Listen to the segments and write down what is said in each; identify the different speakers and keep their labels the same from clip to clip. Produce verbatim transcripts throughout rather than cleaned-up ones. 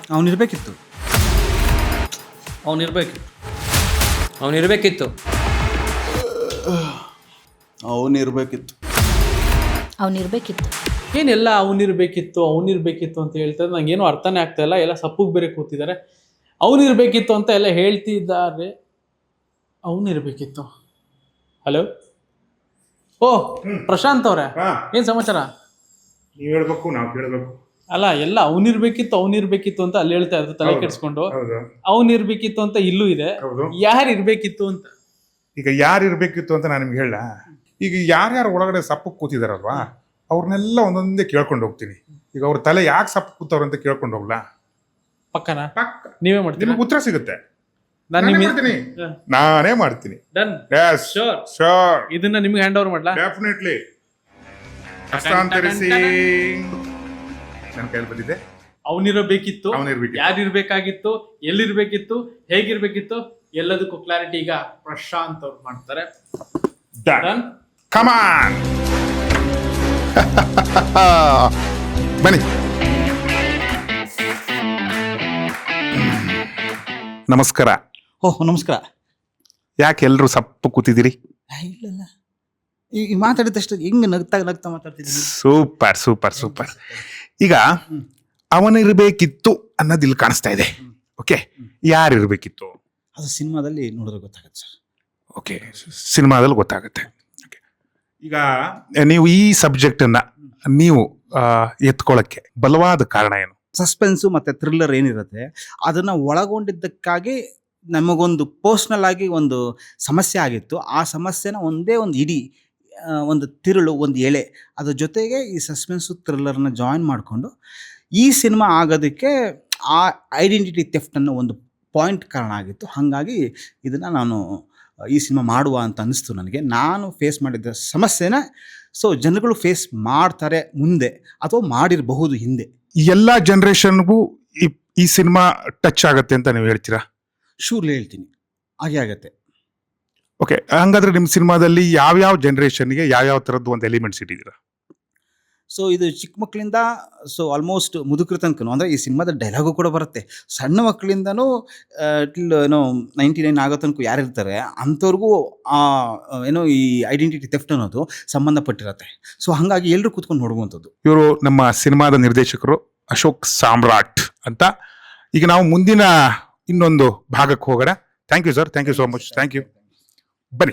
Speaker 1: ಅವನಿರ್ಬೇಕಿತ್ತು
Speaker 2: ಅವನಿರ್ಬೇಕಿತ್ತು ಅವನಿರ್ಬೇಕಿತ್ತು
Speaker 1: ಅವನಿರ್ಬೇಕಿತ್ತು
Speaker 3: ಅವನಿರ್ಬೇಕಿತ್ತು
Speaker 2: ಏನೆಲ್ಲ ಅವನಿರ್ಬೇಕಿತ್ತು ಅವನಿರ್ಬೇಕಿತ್ತು ಅಂತ ಹೇಳ್ತಾರೆ. ನಂಗೇನು ಅರ್ಥನೇ ಆಗ್ತಾ ಇಲ್ಲ. ಎಲ್ಲ ಸಪ್ಪಗೆ ಬೇರೆ ಕೂತಿದ್ದಾರೆ. ಅವನಿರ್ಬೇಕಿತ್ತು ಅಂತ ಎಲ್ಲ ಹೇಳ್ತಿದ್ದಾರೆ. ಅವನಿರ್ಬೇಕಿತ್ತು. ಹಲೋ, ಓ ಪ್ರಶಾಂತ್ ಅವರೇ, ಏನ್ ಸಮಾಚಾರ?
Speaker 4: ನೀವು ಹೇಳ್ಬೇಕು, ನಾವು ಕೇಳಬೇಕು.
Speaker 2: ಅಲ್ಲ, ಎಲ್ಲ ಅವನಿರ್ಬೇಕಿತ್ತು ಅವನಿರ್ಬೇಕಿತ್ತು ಅಂತ ಅಲ್ಲಿ ಹೇಳ್ತಾ ಇದ್ರು ತಲೆ ಕೆಡ್ಸ್ಕೊಂಡು. ಅವನಿರ್ಬೇಕಿತ್ತು ಅಂತ ಇಲ್ಲೂ ಇದೆ. ಯಾರು ಇರ್ಬೇಕಿತ್ತು ಅಂತ.
Speaker 4: ಈಗ ಯಾರು ಇರ್ಬೇಕಿತ್ತು ಅಂತ ನಾನು ನಿಮ್ಗೆ ಹೇಳ. ಈಗ ಯಾರ್ಯಾರು ಒಳಗಡೆ ಸಪ್ಪಕ್ಕೆ ಕೂತಿದಾರಲ್ವಾ, ಅವ್ರನ್ನೆಲ್ಲ ಒಂದೊಂದೇ ಕೇಳ್ಕೊಂಡು ಹೋಗ್ತೀನಿ. ಈಗ ಅವ್ರ ತಲೆ ಯಾಕೆ ಸಪ್ಪು ಕೂತವ್ರು ಅಂತ ಕೇಳ್ಕೊಂಡು ಹೋಗ್ಲಾ?
Speaker 2: ಪಕ್ಕನಾ?
Speaker 4: ಪಕ್ಕ.
Speaker 2: ನೀವೇ ಮಾಡ್ತೀವಿ,
Speaker 4: ನಿಮ್ಗೆ ಉತ್ತರ ಸಿಗುತ್ತೆ.
Speaker 2: ನಾನು
Speaker 4: ಮಾಡ್ತೀನಿ, ನಾನೇ ಮಾಡ್ತೀನಿ.
Speaker 2: Done, sure
Speaker 4: sure.
Speaker 2: ಇದನ್ನ ನಿಮ್ಗೆ ಹ್ಯಾಂಡ್ ಓವರ್ ಮಾಡ್ಲಾ?
Speaker 4: ಡೆಫಿನೆಟ್ಲಿ. ಹಸ್ತಾಂತರಿಸಿ. ನನ್ನ ಕೈಲಿ ಬಂದಿದೆ.
Speaker 2: ಅವನಿರಬೇಕಿತ್ತು,
Speaker 4: ಅವನಿರ್ಬೇಕಿತ್ತು,
Speaker 2: ಯಾರಿರ್ಬೇಕಾಗಿತ್ತು, ಎಲ್ಲಿರ್ಬೇಕಿತ್ತು, ಹೇಗಿರ್ಬೇಕಿತ್ತು, ಎಲ್ಲದಕ್ಕೂ ಕ್ಲಾರಿಟಿ ಈಗ ಪ್ರಶಾಂತ್ ಅವ್ರು ಮಾಡ್ತಾರೆ.
Speaker 4: ಡನ್. Come on. ಬನ್ನಿ. ನಮಸ್ಕಾರ.
Speaker 1: ಓಹ್ ನಮಸ್ಕಾರ.
Speaker 4: ಯಾಕೆ ಎಲ್ರು ಸಪ್ಪು ಕೂತಿದ್ದೀರಿ?
Speaker 1: ಇಲ್ಲ ಈ ಮಾತಾಡಿದಷ್ಟು ಹೆಂಗೆ ನಗ್ತಾ ನಗ್ತಾ ಮಾತಾಡ್ತಿದ್ದೀನಿ.
Speaker 4: Super super super. ಈಗ ಅವನಿರ್ಬೇಕಿತ್ತು ಅನ್ನೋದು ಇಲ್ಲಿ ಕಾಣಿಸ್ತಾ ಇದೆ. ಓಕೆ, ಯಾರಿರ್ಬೇಕಿತ್ತು
Speaker 1: ಅದು ಸಿನಿಮಾದಲ್ಲಿ ನೋಡಿದ್ರೆ ಗೊತ್ತಾಗುತ್ತೆ ಸರ್.
Speaker 4: ಓಕೆ, ಸಿನಿಮಾದಲ್ಲಿ ಗೊತ್ತಾಗುತ್ತೆ. ಈಗ ನೀವು ಈ ಸಬ್ಜೆಕ್ಟ್ ಅನ್ನ ನೀವು ಎತ್ಕೊಳ್ಳಕ್ಕೆ ಬಲವಾದ ಕಾರಣ ಏನು?
Speaker 1: ಸಸ್ಪೆನ್ಸು ಮತ್ತೆ ಥ್ರಿಲ್ಲರ್ ಏನಿರುತ್ತೆ ಅದನ್ನ ಒಳಗೊಂಡಿದ್ದಕ್ಕಾಗಿ ನಮಗೊಂದು ಪರ್ಸ್ನಲ್ ಆಗಿ ಒಂದು ಸಮಸ್ಯೆ ಆಗಿತ್ತು. ಆ ಸಮಸ್ಯೆನ ಒಂದೇ ಒಂದು ಇಡೀ ಒಂದು ತಿರುಳು, ಒಂದು ಎಳೆ, ಅದ್ರ ಜೊತೆಗೆ ಈ ಸಸ್ಪೆನ್ಸು ಥ್ರಿಲ್ಲರ್ನ ಜಾಯಿನ್ ಮಾಡಿಕೊಂಡು ಈ ಸಿನಿಮಾ ಆಗೋದಕ್ಕೆ ಆ ಐಡೆಂಟಿಟಿ ಥೆಫ್ಟ್ ಅನ್ನೋ ಒಂದು ಪಾಯಿಂಟ್ ಕಾರಣ ಆಗಿತ್ತು. ಹಾಗಾಗಿ ಇದನ್ನು ನಾನು ಈ ಸಿನಿಮಾ ಮಾಡುವ ಅಂತ ಅನ್ನಿಸ್ತು ನನಗೆ. ನಾನು ಫೇಸ್ ಮಾಡಿದ್ದ ಸಮಸ್ಯೆನ ಸೊ ಜನಗಳು ಫೇಸ್ ಮಾಡ್ತಾರೆ ಮುಂದೆ, ಅಥವಾ ಮಾಡಿರಬಹುದು ಹಿಂದೆ.
Speaker 4: ಎಲ್ಲ ಜನರೇಷನ್ಗೂ ಈ ಸಿನಿಮಾ ಟಚ್ ಆಗುತ್ತೆ ಅಂತ ನೀವು ಹೇಳ್ತೀರಾ?
Speaker 1: ಶೂರ್ಲಿ ಹೇಳ್ತೀನಿ, ಹಾಗೆ ಆಗತ್ತೆ.
Speaker 4: ಓಕೆ, ಹಂಗಾದ್ರೆ ನಿಮ್ಮ ಸಿನಿಮಾದಲ್ಲಿ ಯಾವ್ಯಾವ ಜನರೇಷನ್ಗೆ ಯಾವ್ಯಾವ ಥರದ್ದು ಒಂದು ಎಲಿಮೆಂಟ್ಸ್ ಇಟ್ಟಿದ್ದೀರಾ?
Speaker 1: ಸೊ ಇದು ಚಿಕ್ಕ ಮಕ್ಕಳಿಂದ ಸೊ ಆಲ್ಮೋಸ್ಟ್ ಮುದುಕರ ತನಕನೂ, ಅಂದರೆ ಈ ಸಿನಿಮಾದ ಡೈಲಾಗು ಕೂಡ ಬರುತ್ತೆ. ಸಣ್ಣ ಮಕ್ಕಳಿಂದನೂ ಟಿಲ್ ಏನೋ ನೈಂಟಿ ನೈನ್ ಆಗೋ ತನಕ ಯಾರಿರ್ತಾರೆ ಅಂಥವ್ರಿಗೂ ಏನೋ ಈ ಐಡೆಂಟಿಟಿ ಥೆಫ್ಟ್ ಅನ್ನೋದು ಸಂಬಂಧಪಟ್ಟಿರತ್ತೆ. ಸೊ ಹಾಗಾಗಿ ಎಲ್ಲರೂ ಕೂತ್ಕೊಂಡು ನೋಡುವಂಥದ್ದು.
Speaker 4: ಇವರು ನಮ್ಮ ಸಿನಿಮಾದ ನಿರ್ದೇಶಕರು ಅಶೋಕ್ ಸಾಮ್ರಾಟ್ ಅಂತ. ಈಗ ನಾವು ಮುಂದಿನ ಇನ್ನೊಂದು ಭಾಗಕ್ಕೆ ಹೋಗೋಣ. Thank you sir, thank you so much, thank you. ಬನ್ನಿ.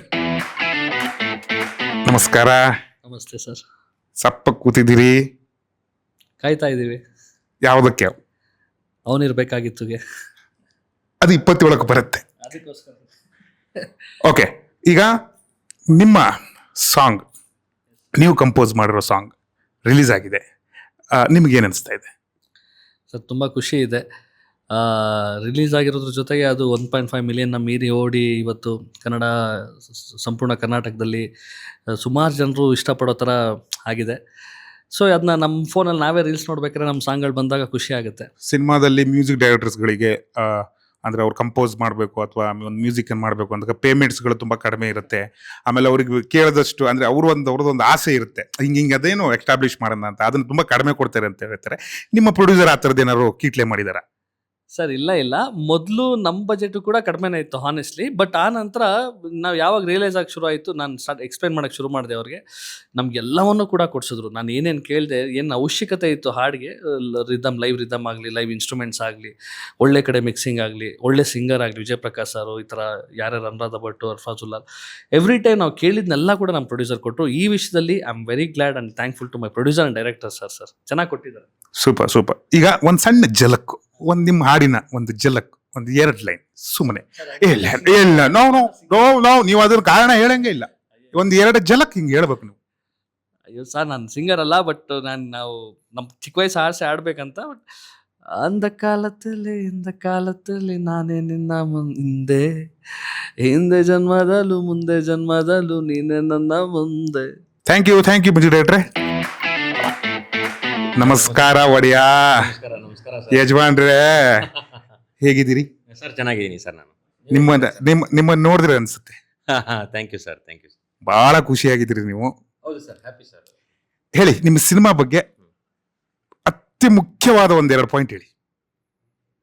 Speaker 4: ನಮಸ್ಕಾರ.
Speaker 5: ನಮಸ್ತೆ ಸರ್.
Speaker 4: ಸಪ್ಪ ಕೂತಿದ್ದೀರಿ,
Speaker 5: ಕಾಯ್ತಾ ಇದ್ದೀವಿ.
Speaker 4: ಯಾವುದಕ್ಕೆ?
Speaker 5: ಅವನಿರ್ಬೇಕಾಗಿತ್ತುಗೆ.
Speaker 4: ಅದು ಇಪ್ಪತ್ತೇಳಕ್ಕೆ ಬರುತ್ತೆ.
Speaker 5: ಅದಕ್ಕೋಸ್ಕರ.
Speaker 4: ಓಕೆ, ಈಗ ನಿಮ್ಮ ಸಾಂಗ್, ನೀವು ಕಂಪೋಸ್ ಮಾಡಿರೋ ಸಾಂಗ್ ರಿಲೀಸ್ ಆಗಿದೆ. ನಿಮ್ಗೇನು ಅನಿಸ್ತಾ ಇದೆ?
Speaker 5: ಸರ್ ತುಂಬ ಖುಷಿ ಇದೆ. ರಿಲೀಸ್ ಆಗಿರೋದ್ರ ಜೊತೆಗೆ ಅದು ಒನ್ ಪಾಯಿಂಟ್ ಫೈವ್ ಮಿಲಿಯನ್ನ ಮೀರಿ ಓಡಿ ಇವತ್ತು ಕನ್ನಡ ಸಂಪೂರ್ಣ ಕರ್ನಾಟಕದಲ್ಲಿ ಸುಮಾರು ಜನರು ಇಷ್ಟಪಡೋ ಥರ ಆಗಿದೆ. ಸೊ ಅದನ್ನ ನಮ್ಮ ಫೋನಲ್ಲಿ ನಾವೇ ರೀಲ್ಸ್ ನೋಡ್ಬೇಕಾದ್ರೆ ನಮ್ಮ ಸಾಂಗ್ಗಳು ಬಂದಾಗ ಖುಷಿ ಆಗುತ್ತೆ.
Speaker 4: ಸಿನಿಮಾದಲ್ಲಿ ಮ್ಯೂಸಿಕ್ ಡೈರೆಕ್ಟರ್ಸ್ಗಳಿಗೆ ಅಂದರೆ ಅವ್ರು ಕಂಪೋಸ್ ಮಾಡಬೇಕು ಅಥವಾ ಒಂದು ಮ್ಯೂಸಿಕನ್ನು ಮಾಡಬೇಕು ಅಂತ ಪೇಮೆಂಟ್ಸ್ಗಳು ತುಂಬ ಕಡಿಮೆ ಇರುತ್ತೆ. ಆಮೇಲೆ ಅವ್ರಿಗೆ ಕೇಳಿದಷ್ಟು ಅಂದರೆ ಅವರು ಒಂದು ಅವ್ರದ್ದು ಒಂದು ಆಸೆ ಇರುತ್ತೆ, ಹಿಂಗೆ ಹಿಂಗೆ ಅದೇನು ಎಸ್ಟಾಬ್ಲಿಷ್ ಮಾಡೋಣ ಅಂತ, ಅದನ್ನು ತುಂಬ ಕಡಿಮೆ ಕೊಡ್ತಾರೆ ಅಂತ ಹೇಳ್ತಾರೆ. ನಿಮ್ಮ ಪ್ರೊಡ್ಯೂಸರ್ ಆ ಥರದ್ದು ಏನಾದ್ರು ಕೀಟ್ಲೆ ಮಾಡಿದಾರ?
Speaker 5: ಸರ್ ಇಲ್ಲ ಇಲ್ಲ, ಮೊದಲು ನಮ್ಮ ಬಜೆಟು ಕೂಡ ಕಡಿಮೆನೇ ಇತ್ತು ಹಾನೆಸ್ಟ್ಲಿ. ಬಟ್ ಆ ನಂತರ ನಾವು ಯಾವಾಗ ರಿಯಲೈಸ್ ಆಗಿ ಶುರು ಆಯಿತು, ನಾನು ಸ್ಟಾರ್ಟ್ ಎಕ್ಸ್ಪ್ಲೈನ್ ಮಾಡೋಕ್ಕೆ ಶುರು ಮಾಡಿದೆ ಅವ್ರಿಗೆ. ನಮಗೆಲ್ಲವನ್ನೂ ಕೂಡ ಕೊಡಿಸಿದ್ರು. ನಾನು ಏನೇನು ಕೇಳಿದೆ, ಏನು ಅವಶ್ಯಕತೆ ಇತ್ತು ಹಾಡಿಗೆ, ರಿದಮ್, ಲೈವ್ ರಿದಮ್ ಆಗಲಿ, ಲೈವ್ ಇನ್ಸ್ಟ್ರೂಮೆಂಟ್ಸ್ ಆಗಲಿ, ಒಳ್ಳೆ ಕಡೆ ಮಿಕ್ಸಿಂಗ್ ಆಗಲಿ, ಒಳ್ಳೆ ಸಿಂಗರ್ ಆಗಲಿ, ವಿಜಯ್ ಪ್ರಕಾಶ್ ಸಾರು, ಈ ಥರ ಯಾರ್ಯಾರು ಅನುರಾಧ ಭಟ್, ಅರ್ಫಾಜುಲ್ಲಾ, ಎವ್ರಿ ಟೈಮ್ ನಾವು ಕೇಳಿದ್ನೆಲ್ಲ ಕೂಡ ನಮ್ಮ ಪ್ರೊಡ್ಯೂಸರ್ ಕೊಟ್ಟರು. ಈ ವಿಷಯದಲ್ಲಿ I am very glad and thankful to my producer and director sir. Sir ಚೆನ್ನಾಗಿ ಕೊಟ್ಟಿದ್ದಾರೆ.
Speaker 4: Super super. ಈಗ ಒಂದು ಸಣ್ಣ ಜಲಕ್ಕು, ಒಂದು ನಿಮ್ಮ ಹಾಡಿನ ಒಂದು ಜಲಕ್, ಒಂದು ಎರಡು ಲೈನ್ ಸುಮ್ಮನೆ. ಇಲ್ಲ ಇಲ್ಲ ನೋ ನೋ ನೋ ನೋ ನೀವು ಅದ್ರ ಕಾರಣ ಹೇಳಂಗೆ ಇಲ್ಲ, ಒಂದು ಎರಡು ಜಲಕ್ ಹಿಂಗೆ ಹೇಳ್ಬೇಕು ನೀವು.
Speaker 5: ಅಯ್ಯೋ ಸರ್, ನಾನು ಸಿಂಗರ್ ಅಲ್ಲ, ಬಟ್ ನಾನು ನಾವು ನಮ್ಮ ಚಿಕ್ಕ ವಯಸ್ಸು ಆಸೆ ಆಡಬೇಕಂತ. ಬಟ್ ಅಂದ ಕಾಲದಲ್ಲಿ ಇಂದ ಕಾಲದಲ್ಲಿ ನಾನೇ ನಿನ್ನ ಮುಂದೆ, ಹಿಂದೆ ಜನ್ಮದಲ್ಲೂ ಮುಂದೆ ಜನ್ಮದಲ್ಲೂ ನೀನೇ ನನ್ನ ಮುಂದೆ.
Speaker 4: Thank you thank you Manju ಡೈರೆಕ್ಟ್ರೆ. ನಮಸ್ಕಾರ ಒಡೆಯ. ಯಜಮಾನ್ರೇ, ಹೇಗಿದ್ದೀರಿ
Speaker 6: ಸರ್? ಚೆನ್ನಾಗಿದ್ದೀನಿ ಸರ್. ನಾನು
Speaker 4: ನಿಮ್ಮ ನಿಮ್ಮ ನಿಮ್ಮನ್ನು ನೋಡಿದ್ರೆ ಅನ್ಸುತ್ತೆ.
Speaker 6: Thank you sir, thank you.
Speaker 4: ಬಹಳ ಖುಷಿಯಾಗಿದ್ದೀರಿ ನೀವು.
Speaker 6: ಹೌದು ಸರ್, ಹ್ಯಾಪಿ ಸರ್.
Speaker 4: ಹೇಳಿ, ನಿಮ್ಮ ಸಿನಿಮಾ ಬಗ್ಗೆ ಅತಿ ಮುಖ್ಯವಾದ ಒಂದೆರಡು ಪಾಯಿಂಟ್ ಹೇಳಿ.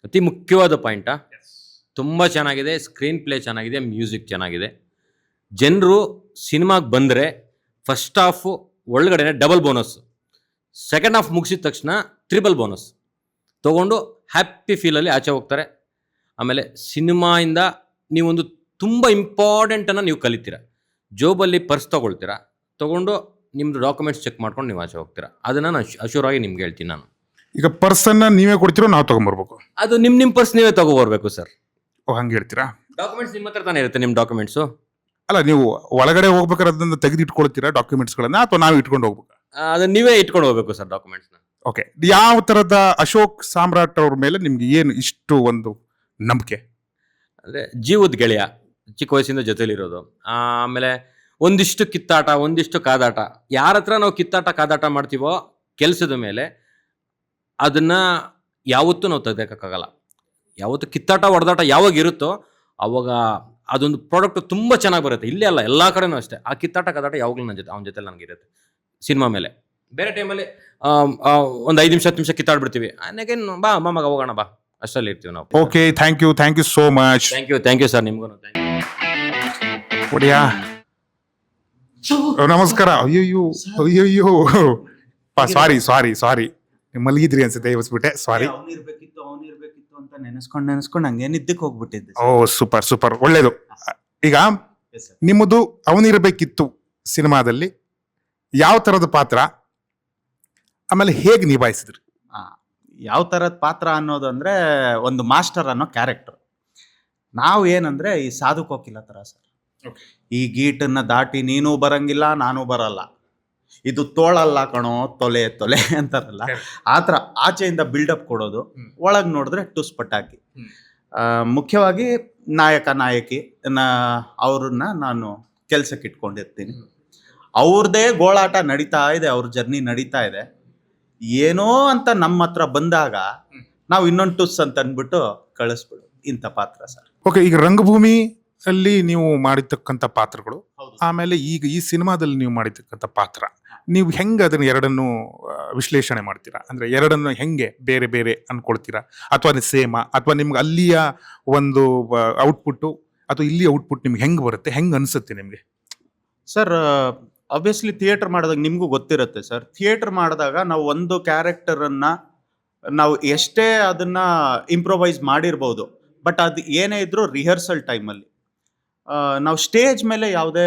Speaker 6: ಅತಿ ಮುಖ್ಯವಾದ ಪಾಯಿಂಟಾ ತುಂಬ ಚೆನ್ನಾಗಿದೆ, ಸ್ಕ್ರೀನ್ ಪ್ಲೇ ಚೆನ್ನಾಗಿದೆ, ಮ್ಯೂಸಿಕ್ ಚೆನ್ನಾಗಿದೆ. ಜನರು ಸಿನಿಮಾಗೆ ಬಂದರೆ ಫಸ್ಟ್ ಹಾಫು ಒಳಗಡೆ ಡಬಲ್ ಬೋನಸ್, ಸೆಕೆಂಡ್ ಹಾಫ್ ಮುಗಿಸಿದ ತಕ್ಷಣ ತ್ರಿಬಲ್ ಬೋನಸ್ ತೊಗೊಂಡು ಹ್ಯಾಪಿ ಫೀಲಲ್ಲಿ ಆಚೆ ಹೋಗ್ತಾರೆ. ಆಮೇಲೆ ಸಿನಿಮಾಯಿಂದ ನೀವೊಂದು ತುಂಬ ಇಂಪಾರ್ಟೆಂಟನ್ನು ನೀವು ಕಲಿತೀರ. ಜೋಬಲ್ಲಿ ಪರ್ಸ್ ತೊಗೊಳ್ತೀರಾ, ತೊಗೊಂಡು ನಿಮ್ಮದು ಡಾಕ್ಯುಮೆಂಟ್ಸ್ ಚೆಕ್ ಮಾಡ್ಕೊಂಡು ನೀವು ಆಚೆ ಹೋಗ್ತೀರಾ. ಅದನ್ನು ನಾನು ಅಶೂರ್ ಆಗಿ ನಿಮ್ಗೆ ಹೇಳ್ತೀನಿ. ನಾನು
Speaker 4: ಈಗ ಪರ್ಸನ್ನ ನೀವೇ ಕೊಡ್ತೀರೋ ನಾವು ತಗೊಂಬರ್ಬೇಕು?
Speaker 6: ಅದು ನಿಮ್ಮ ನಿಮ್ಮ ಪರ್ಸ್ ನೀವೇ ತೊಗೊಬರ್ಬೇಕು ಸರ್.
Speaker 4: ಓ, ಹಂಗೆ ಹೇಳ್ತೀರಾ?
Speaker 6: ಡಾಕ್ಯುಮೆಂಟ್ಸ್ ನಿಮ್ಮ ಹತ್ರ ತಾನೇ ಇರುತ್ತೆ, ನಿಮ್ಮ ಡಾಕ್ಯುಮೆಂಟ್ಸು.
Speaker 4: ಅಲ್ಲ, ನೀವು ಒಳಗಡೆ ಹೋಗ್ಬೇಕಾದ್ರೆ ಅದನ್ನ ತೆಗೆದು ಇಟ್ಕೊಳ್ತೀರಾ ಡಾಕ್ಯುಮೆಂಟ್ಸ್ಗಳನ್ನ, ಅಥವಾ ನಾವು ಇಟ್ಕೊಂಡು ಹೋಗ್ಬೇಕು?
Speaker 6: ಅದನ್ನ ನೀವೇ ಇಟ್ಕೊಂಡು ಹೋಗ್ಬೇಕು ಸರ್ ಡಾಕ್ಯುಮೆಂಟ್ಸ್ನ.
Speaker 4: ಓಕೆ, ಯಾವ ಥರದ ಅಶೋಕ್ ಸಾಮ್ರಾಟ್ ಅವ್ರ ಮೇಲೆ ನಿಮ್ಗೆ ಏನು ಇಷ್ಟು ಒಂದು ನಂಬಿಕೆ?
Speaker 6: ಅಂದರೆ ಜೀವದ ಗೆಳೆಯ, ಚಿಕ್ಕ ವಯಸ್ಸಿಂದ ಜೊತೆಲಿರೋದು. ಆಮೇಲೆ ಒಂದಿಷ್ಟು ಕಿತ್ತಾಟ, ಒಂದಿಷ್ಟು ಕಾದಾಟ. ಯಾರ ಹತ್ರ ನಾವು ಕಿತ್ತಾಟ ಕಾದಾಟ ಮಾಡ್ತೀವೋ ಕೆಲಸದ ಮೇಲೆ, ಅದನ್ನು ಯಾವತ್ತೂ ನಾವು ತೆಗೆಯೋಕ್ಕಾಗಲ್ಲ. ಯಾವತ್ತು ಕಿತ್ತಾಟ ಹೊಡೆದಾಟ ಯಾವಾಗ ಇರುತ್ತೋ ಅವಾಗ ಅದೊಂದು ಪ್ರಾಡಕ್ಟ್ ತುಂಬ ಚೆನ್ನಾಗಿ ಬರುತ್ತೆ. ಇಲ್ಲೇ ಅಲ್ಲ, ಎಲ್ಲ ಕಡೆನೂ ಅಷ್ಟೇ. ಆ ಕಿತ್ತಾಟ ಕಾದಾಟ ಯಾವಾಗಲೂ ನನ್ನ ಜೊತೆ ಅವನ ಜೊತೆ ನನಗಿರುತ್ತೆ. ಸಿನಿಮಾ ಮೇಲೆ ಬೇರೆ ಟೈಮಲ್ಲಿ ಒಂದು ಐದು ನಿಮಿಷ ಹತ್ತು ನಿಮಿಷ ಕಿತ್ತಾಡ್ಬಿಡ್ತೀವಿ. ಅನ್ನಗೇನು ಬಾ ಅಮ್ಮ ಮಗ ಹೋಗೋಣ ಬಾ, ಅಷ್ಟರಲ್ಲಿ ಇರ್ತೀವಿ ನಾವು.
Speaker 4: Okay, thank you thank you so much.
Speaker 6: Thank you thank you sir, ನಿಮ್ಗೂ ಥ್ಯಾಂಕ್ ಯು.
Speaker 4: ಒಡಿಯಾ, ನಮಸ್ಕಾರ. ಅಯ್ಯಯ್ಯೋ ಅಯ್ಯಯ್ಯೋ, ಸಾರಿ ಸಾರಿ ಸಾರಿ ಮಲಗಿದ್ರಿ ಅನ್ಸುತ್ತೆ, ಇವಸ್ಬಿಟ್ಟೆ, ಸಾರಿ.
Speaker 1: ಅವನಿರ್ಬೇಕಿತ್ತು ಅವನಿರ್ಬೇಕಿತ್ತು ಅಂತ ನೆನೆಸ್ಕೊಂಡು ನೆನೆಸ್ಕೊಂಡು ಹಂಗೆ ನಿದ್ದಕ್ಕೆ ಹೋಗ್ಬಿಟ್ಟಿದ್ದೆ.
Speaker 4: ಓ, ಸೂಪರ್ ಸೂಪರ್, ಒಳ್ಳೇದು. ಈಗ ನಿಮ್ಮದು ಅವನಿರ್ಬೇಕಿತ್ತು ಸಿನಿಮಾದಲ್ಲಿ ಯಾವ ಥರದ ಪಾತ್ರ, ಆಮೇಲೆ ಹೇಗೆ ನಿಭಾಯಿಸಿದ್ರಿ?
Speaker 1: ಯಾವ ಥರದ ಪಾತ್ರ ಅನ್ನೋದು ಅಂದರೆ ಒಂದು ಮಾಸ್ಟರ್ ಅನ್ನೋ ಕ್ಯಾರೆಕ್ಟರ್. ನಾವು ಏನಂದರೆ ಈ ಸಾಧು ಕೋಕಿಲ ಥರ ಸರ್. ಈ ಗೀಟನ್ನು ದಾಟಿ ನೀನು ಬರಂಗಿಲ್ಲ, ನಾನು ಬರಲ್ಲ, ಇದು ತೋಳಲ್ಲ ಕಣೋ, ತೊಲೆ ತೊಲೆ ಅಂತಾರಲ್ಲ, ಆ ಥರ ಆಚೆಯಿಂದ ಬಿಲ್ಡಪ್ ಕೊಡೋದು, ಒಳಗೆ ನೋಡಿದ್ರೆ ಟುಸ್ ಪಟಾಕಿ. ಮುಖ್ಯವಾಗಿ ನಾಯಕ ನಾಯಕಿ ನಾ ಅವ್ರನ್ನ ನಾನು ಕೆಲ್ಸಕ್ಕೆ ಇಟ್ಕೊಂಡಿರ್ತೀನಿ. ಅವ್ರದ್ದೇ ಗೋಳಾಟ ನಡೀತಾ ಇದೆ, ಅವ್ರ ಜರ್ನಿ ನಡೀತಾ ಇದೆ. ಏನೋ ಅಂತ ನಮ್ಮ ಹತ್ರ ಬಂದಾಗ ನಾವು ಇನ್ನೊಂದು ಟುಸ್ ಅಂತ ಅಂದ್ಬಿಟ್ಟು ಕಳಿಸ್ಬಿಡು, ಇಂಥ ಪಾತ್ರ ಸರ್.
Speaker 4: ಓಕೆ, ಈಗ ರಂಗಭೂಮಿ ಅಲ್ಲಿ ನೀವು ಮಾಡಿರ್ತಕ್ಕಂಥ ಪಾತ್ರಗಳು, ಆಮೇಲೆ ಈಗ ಈ ಸಿನಿಮಾದಲ್ಲಿ ನೀವು ಮಾಡಿರ್ತಕ್ಕಂಥ ಪಾತ್ರ, ನೀವು ಹೆಂಗೆ ಅದನ್ನ ಎರಡನ್ನು ವಿಶ್ಲೇಷಣೆ ಮಾಡ್ತೀರಾ? ಅಂದ್ರೆ ಎರಡನ್ನು ಹೆಂಗೆ ಬೇರೆ ಬೇರೆ ಅನ್ಕೊಳ್ತೀರಾ, ಅಥವಾ ಸೇಮ, ಅಥವಾ ನಿಮ್ಗೆ ಅಲ್ಲಿಯ ಒಂದು ಔಟ್ಪುಟ್ಟು ಅಥವಾ ಇಲ್ಲಿ ಔಟ್ಪುಟ್ ನಿಮ್ಗೆ ಹೆಂಗೆ ಬರುತ್ತೆ, ಹೆಂಗೆ ಅನಿಸುತ್ತೆ ನಿಮಗೆ?
Speaker 1: ಸರ್, ಆಬ್ವಿಯಸ್ಲಿ ಥಿಯೇಟರ್ ಮಾಡಿದಾಗ ನಿಮಗೂ ಗೊತ್ತಿರುತ್ತೆ ಸರ್. ಥಿಯೇಟರ್ ಮಾಡಿದಾಗ ನಾವು ಒಂದು ಕ್ಯಾರೆಕ್ಟರನ್ನು ನಾವು ಎಷ್ಟೇ ಅದನ್ನು ಇಂಪ್ರೊವೈಸ್ ಮಾಡಿರ್ಬೋದು, ಬಟ್ ಅದು ಏನೇ ಇದ್ರೂ ರಿಹರ್ಸಲ್ ಟೈಮಲ್ಲಿ ನಾವು ಸ್ಟೇಜ್ ಮೇಲೆ ಯಾವುದೇ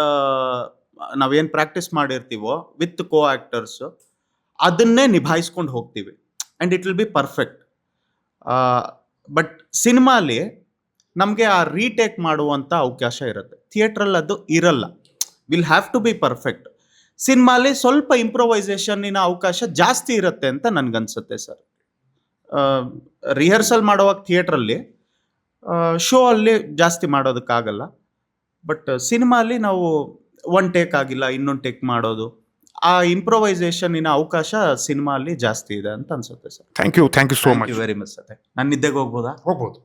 Speaker 1: ನಾವೇನು ಪ್ರಾಕ್ಟೀಸ್ ಮಾಡಿರ್ತೀವೋ ವಿತ್ ಕೋ ಆ್ಯಕ್ಟರ್ಸು ಅದನ್ನೇ ನಿಭಾಯಿಸ್ಕೊಂಡು ಹೋಗ್ತೀವಿ and it will be perfect. But ಸಿನಿಮಾಲಿ ನಮಗೆ ಆ ರೀಟೇಕ್ ಮಾಡುವಂಥ ಅವಕಾಶ ಇರುತ್ತೆ, ಥಿಯೇಟ್ರಲ್ಲಿ ಅದು ಇರಲ್ಲ. Will have to be perfect. ಸಿನಿಮಾಲಿ ಸ್ವಲ್ಪ ಇಂಪ್ರೊವೈಸೇಷನ್ನಿನ ಅವಕಾಶ ಜಾಸ್ತಿ ಇರುತ್ತೆ ಅಂತ ನನಗನ್ಸುತ್ತೆ ಸರ್. ರಿಹರ್ಸಲ್ ಮಾಡುವಾಗ ಥಿಯೇಟ್ರಲ್ಲಿ, ಶೋ ಅಲ್ಲಿ ಜಾಸ್ತಿ ಮಾಡೋದಕ್ಕಾಗಲ್ಲ. ಬಟ್ ಸಿನಿಮಾಲಿ ನಾವು ಒನ್ ಟೇಕ್ ಆಗಿಲ್ಲ ಇನ್ನೊಂದು ಟೇಕ್ ಮಾಡೋದು, ಆ ಇಂಪ್ರೊವೈಸೇಷನ್ನಿನ ಅವಕಾಶ ಸಿನಿಮಾಲಿ ಜಾಸ್ತಿ ಇದೆ ಅಂತ ಅನ್ಸುತ್ತೆ sir.
Speaker 4: Thank you thank you so much.
Speaker 1: Very much sir. ನಾನು ನಿದ್ದೆಗೆ ಹೋಗ್ಬೋದಾ?
Speaker 4: ಹೋಗ್ಬೋದು.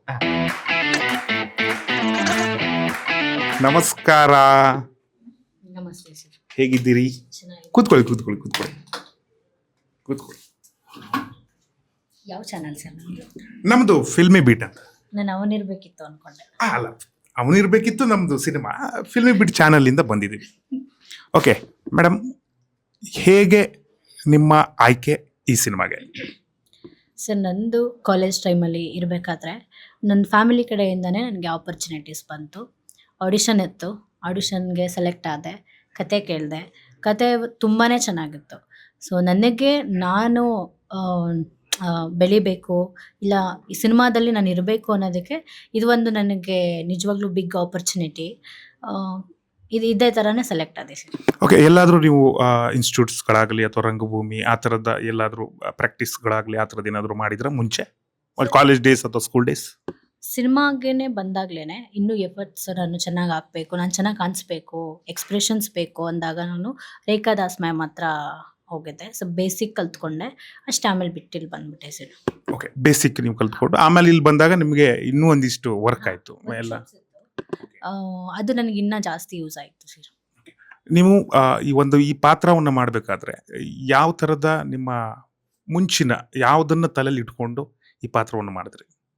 Speaker 4: ನಮಸ್ಕಾರ,
Speaker 3: ನಮಸ್ತೆ ಸರ್.
Speaker 4: ಹೇಗಿದ್ದೀರಿ?
Speaker 3: ಚೆನ್ನಾಗಿ.
Speaker 4: ಕೂತ್ಕೊಳ್ಳಿ ಕೂತ್ಕೊಳ್ಳಿ ಕೂತ್ಕೊಳ್ಳಿ ಕೂತ್ಕೊಳ್ಳಿ.
Speaker 3: ಯಾವ ಚಾನಲ್ ಸರ್ ನಮ್ಮದು?
Speaker 4: ನಮ್ದು ಫಿಲ್ಮಿ ಬೀಟ್ ಅಂತ.
Speaker 3: ನಾನು ಅವನಿರ್ಬೇಕಿತ್ತು ಅನ್ಕೊಂಡೆ.
Speaker 4: ಆ, ಅಲ್ಲ, ಅವನಿರ್ಬೇಕಿತ್ತು ನಮ್ದು ಸಿನಿಮಾ ಫಿಲ್ಮಿ ಬೀಟ್ ಚಾನಲಿಂದ ಬಂದಿದ್ದೀವಿ. ಓಕೆ ಮೇಡಮ್, ಹೇಗೆ ನಿಮ್ಮ ಆಯ್ಕೆ ಈ ಸಿನಿಮಾಗೆ?
Speaker 3: ಸರ್, ನಂದು ಕಾಲೇಜ್ ಟೈಮಲ್ಲಿ ಇರಬೇಕಾದ್ರೆ ನನ್ನ ಫ್ಯಾಮಿಲಿ ಕಡೆಯಿಂದನೇ ನನಗೆ ಆಪರ್ಚುನಿಟೀಸ್ ಬಂತು. ಆಡಿಷನ್ ಇತ್ತು, ಆಡಿಷನ್ಗೆ ಸೆಲೆಕ್ಟ್ ಆದೆ, ಕತೆ ಕೇಳಿದೆ. ಕತೆ ತುಂಬಾ ಚೆನ್ನಾಗಿತ್ತು. ಸೊ ನನಗೆ ನಾನು ಬೆಳಿಬೇಕು, ಇಲ್ಲ ಈ ಸಿನಿಮಾದಲ್ಲಿ ನಾನು ಇರಬೇಕು ಅನ್ನೋದಕ್ಕೆ ಇದು ಒಂದು ನನಗೆ ನಿಜವಾಗ್ಲೂ ಬಿಗ್ ಆಪರ್ಚುನಿಟಿ. ಇದು ಇದೇ ಥರನೇ ಸೆಲೆಕ್ಟ್ ಆದೆ ಸರ್.
Speaker 4: ಓಕೆ, ಎಲ್ಲಾದರೂ ನೀವು ಇನ್ಸ್ಟಿಟ್ಯೂಟ್ಸ್ಗಳಾಗಲಿ ಅಥವಾ ರಂಗಭೂಮಿ ಆ ಥರದ ಎಲ್ಲಾದರೂ ಪ್ರಾಕ್ಟೀಸ್ಗಳಾಗಲಿ ಆ ಥರದ್ದು ಏನಾದರೂ ಮಾಡಿದ್ರೆ ಮುಂಚೆ, ಕಾಲೇಜ್ ಡೇಸ್ ಅಥವಾ ಸ್ಕೂಲ್ ಡೇಸ್?
Speaker 3: ಸಿನಿಮಾಗೇನೆ ಬಂದಾಗ್ಲೇ ಇನ್ನೂ ಎಫರ್ಟ್ಸ್ ನಾನು ಚೆನ್ನಾಗಿ ಹಾಕಬೇಕು, ನಾನು ಚೆನ್ನಾಗಿ ಕಾಣಿಸ್ಬೇಕು, ಎಕ್ಸ್ಪ್ರೆಷನ್ಸ್ ಬೇಕು ಅಂದಾಗ ನಾನು ರೇಖಾ ದಾಸ್ ಮ್ಯಾಮ್ ಹತ್ರ ಹೋಗಿದ್ದೆ. ಸೊ ಬೇಸಿಕ್ ಕಲ್ತ್ಕೊಂಡೆ, ಅಷ್ಟೇ. ಆಮೇಲೆ ಬಿಟ್ಟು ಇಲ್ಲಿ ಬಂದ್ಬಿಟ್ಟೆ ಸರ್.
Speaker 4: ಓಕೆ, ಬೇಸಿಕ್ ನೀವು ಕಲ್ತ್ಕೊಂಡು ಆಮೇಲೆ ಇಲ್ಲಿ ಬಂದಾಗ ನಿಮಗೆ ಇನ್ನೂ ಒಂದಿಷ್ಟು ವರ್ಕ್ ಆಯಿತು ಎಲ್ಲ.
Speaker 3: ಆ, ಅದು ನನಗೆ ಇನ್ನೂ ಜಾಸ್ತಿ ಯೂಸ್ ಆಯಿತು ಸರ್.
Speaker 4: ನೀವು ಆ, ಈ ಒಂದು ಈ ಪಾತ್ರವನ್ನು ಮಾಡಬೇಕಾದ್ರೆ ಯಾವ ಥರದ ನಿಮ್ಮ ಮುಂಚಿನ ಯಾವುದನ್ನು ತಲೆಯಲ್ಲಿ ಇಟ್ಕೊಂಡು ಈ ಪಾತ್ರವನ್ನು ಮಾಡಿದ್ರಿ?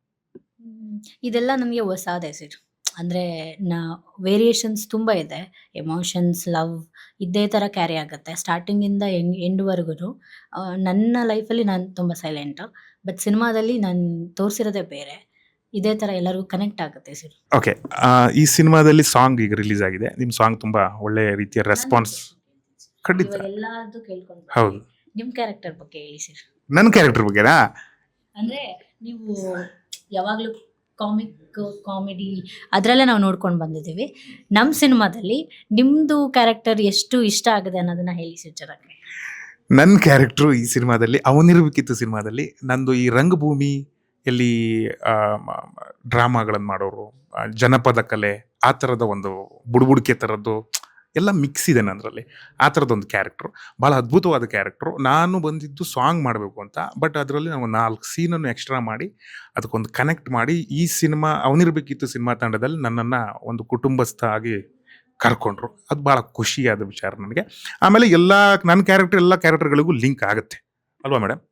Speaker 3: ಇದೆಲ್ಲ ನನಗೆ ಹೊಸಾದೆ ಸರ್. ಅಂದರೆ ನಾ ವೇರಿಯೇಷನ್ಸ್ ತುಂಬ ಇದೆ. ಎಮೋಷನ್ಸ್, ಲವ್ ಇದೇ ಥರ ಕ್ಯಾರಿ ಆಗುತ್ತೆ ಸ್ಟಾರ್ಟಿಂಗಿಂದ ಎಂಡ್ ಎಂಡ್‌ವರೆಗೂ. ನನ್ನ ಲೈಫಲ್ಲಿ ನಾನು ತುಂಬ ಸೈಲೆಂಟು. ಬಟ್ ಸಿನಿಮಾದಲ್ಲಿ ನಾನು ತೋರಿಸಿರೋದೇ ಬೇರೆ. ಇದೇ ಥರ ಎಲ್ಲರಿಗೂ ಕನೆಕ್ಟ್ ಆಗುತ್ತೆ ಸರ್.
Speaker 4: ಓಕೆ. ಈ ಸಿನಿಮಾದಲ್ಲಿ ಸಾಂಗ್ ಈಗ ರಿಲೀಸ್ ಆಗಿದೆ. ನಿಮ್ಮ ಸಾಂಗ್ ತುಂಬಾ ಒಳ್ಳೆ ರೀತಿಯ ರೆಸ್ಪಾನ್ಸ್. ಖಂಡಿತ.
Speaker 3: ಇವಾಗ ಎಲ್ಲಾರ್ದು ಕೇಳ್ಕೊಂಡು
Speaker 4: ಹೌದು.
Speaker 3: ನಿಮ್ಮ ಕ್ಯಾರೆಕ್ಟರ್ ಬಗ್ಗೆ ಹೇಳಿ ಸರ್.
Speaker 4: ನನ್ನ ಕ್ಯಾರೆಕ್ಟರ್ ಬಗ್ಗೆನಾ?
Speaker 3: ಅಂದರೆ ನೀವು ಯಾವಾಗಲೂ ಕಾಮಿಕ್, ಕಾಮಿಡಿ ಅದರಲ್ಲೇ ನಾವು ನೋಡ್ಕೊಂಡು ಬಂದಿದ್ದೀವಿ. ನಮ್ಮ ಸಿನಿಮಾದಲ್ಲಿ ನಿಮ್ಮದು ಕ್ಯಾರೆಕ್ಟರ್ ಎಷ್ಟು ಇಷ್ಟ ಆಗಿದೆ ಅನ್ನೋದನ್ನ ಹೇಳಿ ಸರ್ ಜರಕ್ಕೆ.
Speaker 4: ನನ್ನ ಕ್ಯಾರೆಕ್ಟ್ರು ಈ ಸಿನಿಮಾದಲ್ಲಿ ಅವನಿರಬೇಕಿತ್ತು ಸಿನಿಮಾದಲ್ಲಿ ನಂದು ಈ ರಂಗಭೂಮಿ ಎಲ್ಲಿ ಡ್ರಾಮಾಗಳನ್ನು ಮಾಡೋರು, ಆ, ಜನಪದ ಕಲೆ, ಆ ಥರದ ಒಂದು ಬುಡುಬುಡಿಕೆ ಥರದ್ದು ಎಲ್ಲ ಮಿಕ್ಸ್ ಇದೆ ನನ್ನರಲ್ಲಿ. ಆ ಥರದೊಂದು ಕ್ಯಾರೆಕ್ಟ್ರು, ಭಾಳ ಅದ್ಭುತವಾದ ಕ್ಯಾರೆಕ್ಟ್ರು. ನಾನು ಬಂದಿದ್ದು ಸಾಂಗ್ ಮಾಡಬೇಕು ಅಂತ, ಬಟ್ ಅದರಲ್ಲಿ ನಾವು ನಾಲ್ಕು ಸೀನನ್ನು ಎಕ್ಸ್ಟ್ರಾ ಮಾಡಿ ಅದಕ್ಕೊಂದು ಕನೆಕ್ಟ್ ಮಾಡಿ ಈ ಸಿನಿಮಾ ಅವನಿರಬೇಕಿತ್ತು ಸಿನಿಮಾ ತಂಡದಲ್ಲಿ ನನ್ನನ್ನು ಒಂದು ಕುಟುಂಬಸ್ಥ ಆಗಿ ಕರ್ಕೊಂಡ್ರು. ಅದು ಭಾಳ ಖುಷಿಯಾದ ವಿಚಾರ ನನಗೆ. ಆಮೇಲೆ ಎಲ್ಲ ನನ್ನ ಕ್ಯಾರೆಕ್ಟರ್ ಎಲ್ಲ ಕ್ಯಾರೆಕ್ಟರ್ಗಳಿಗೂ ಲಿಂಕ್ ಆಗುತ್ತೆ ಅಲ್ವಾ ಮೇಡಮ್?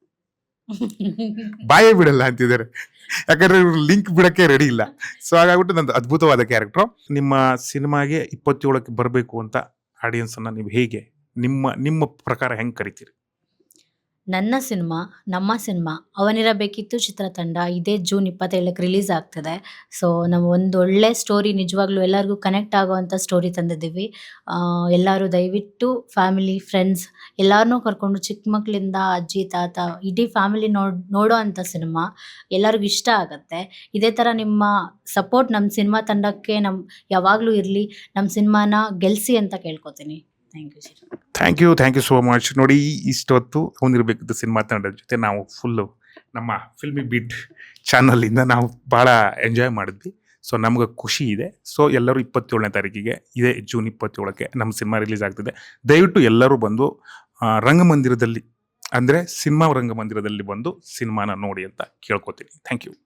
Speaker 4: ಬಾಯೇ ಬಿಡಲ್ಲ ಅಂತಿದ್ದಾರೆ, ಯಾಕಂದ್ರೆ ಇವ್ರು ಲಿಂಕ್ ಬಿಡಕ್ಕೆ ರೆಡಿ ಇಲ್ಲ. ಸೊ ಹಾಗಾಗ್ಬಿಟ್ಟು ನಂದು ಅದ್ಭುತವಾದ ಕ್ಯಾರೆಕ್ಟ್ರು. ನಿಮ್ಮ ಸಿನಿಮಾಗೆ ಇಪ್ಪತ್ತೇಳಕ್ಕೆ ಬರಬೇಕು ಅಂತ ಆಡಿಯನ್ಸ್ ಅನ್ನ ನೀವು ಹೇಗೆ ನಿಮ್ಮ ನಿಮ್ಮ ಪ್ರಕಾರ ಹೆಂಗ್ ಕರಿತೀರಿ?
Speaker 3: ನನ್ನ ಸಿನಿಮಾ, ನಮ್ಮ ಸಿನಿಮಾ ಅವನಿರಬೇಕಿತ್ತು ಚಿತ್ರತಂಡ ಇದೇ ಜೂನ್ ಇಪ್ಪತ್ತೇಳಕ್ಕೆ ರಿಲೀಸ್ ಆಗ್ತದೆ. ಸೊ ನಾವು ಒಂದು ಒಳ್ಳೆ ಸ್ಟೋರಿ, ನಿಜವಾಗ್ಲೂ ಎಲ್ಲರಿಗೂ ಕನೆಕ್ಟ್ ಆಗೋವಂಥ ಸ್ಟೋರಿ ತಂದಿದ್ದೀವಿ. ಆ, ಎಲ್ಲರೂ ದಯವಿಟ್ಟು ಫ್ಯಾಮಿಲಿ, ಫ್ರೆಂಡ್ಸ್ ಎಲ್ಲರನ್ನೂ ಕರ್ಕೊಂಡು, ಚಿಕ್ಕ ಮಕ್ಕಳಿಂದ ಅಜ್ಜಿ, ತಾತ ಇಡೀ ಫ್ಯಾಮಿಲಿ ನೋಡ್ ನೋಡೋ ಅಂಥ ಸಿನಿಮಾ. ಎಲ್ಲರಿಗೂ ಇಷ್ಟ ಆಗುತ್ತೆ. ಇದೇ ಥರ ನಿಮ್ಮ ಸಪೋರ್ಟ್ ನಮ್ಮ ಸಿನಿಮಾ ತಂಡಕ್ಕೆ ನಮ್ಮ ಯಾವಾಗಲೂ ಇರಲಿ. ನಮ್ಮ ಸಿನಿಮಾನ ಗೆಲ್ಲಿಸಿ ಅಂತ ಕೇಳ್ಕೊತೀನಿ. Thank you sir.
Speaker 4: Thank you thank you so much. ನೋಡಿ, ಇಷ್ಟೊತ್ತು ಅವನಿರಬೇಕಿತ್ತು ಸಿನಿಮಾ ತಂಡದ ಜೊತೆ ನಾವು ಫುಲ್ಲು ನಮ್ಮ ಫಿಲ್ಮಿ ಬಿಡ್ ಚಾನಲಿಂದ ನಾವು ಭಾಳ ಎಂಜಾಯ್ ಮಾಡಿದ್ವಿ. ಸೊ ನಮ್ಗೆ ಖುಷಿ ಇದೆ. ಸೊ ಎಲ್ಲರೂ ಇಪ್ಪತ್ತೇಳನೇ ತಾರೀಕಿಗೆ ಇದೇ ಜೂನ್ ಇಪ್ಪತ್ತೇಳಕ್ಕೆ ನಮ್ಮ ಸಿನಿಮಾ ರಿಲೀಸ್ ಆಗ್ತಿದೆ. ದಯವಿಟ್ಟು ಎಲ್ಲರೂ ಬಂದು ಆ, ರಂಗಮಂದಿರದಲ್ಲಿ ಅಂದರೆ ಸಿನಿಮಾ ರಂಗಮಂದಿರದಲ್ಲಿ ಬಂದು ಸಿನಿಮಾನ ನೋಡಿ ಅಂತ ಕೇಳ್ಕೊತೀನಿ. Thank you.